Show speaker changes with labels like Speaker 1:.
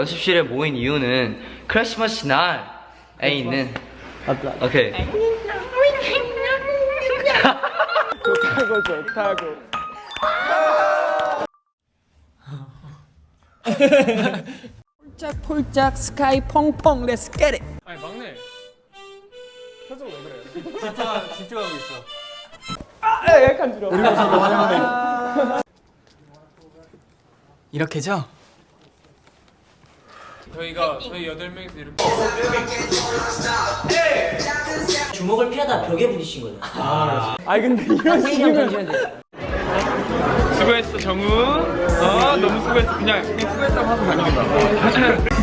Speaker 1: 연습실에 모인 이유는 크리스마스 날에 있는 오케이
Speaker 2: 좋다고
Speaker 3: 폴짝폴짝 스카이 펑펑 렛츠 겟 잇.
Speaker 2: 아니 막내 표정 왜 그래?
Speaker 4: 집중하고 있어.
Speaker 2: 약간 줄여
Speaker 3: 이렇게죠?
Speaker 2: 저희 8명이서 이렇게
Speaker 4: 주먹을 피하다 벽에 부딪힌 거죠.
Speaker 3: 아니 근데 이런 식이면
Speaker 2: 수고했어 정우. 너무 수고했어. 그냥 수고했다고 하고 다니는 거야.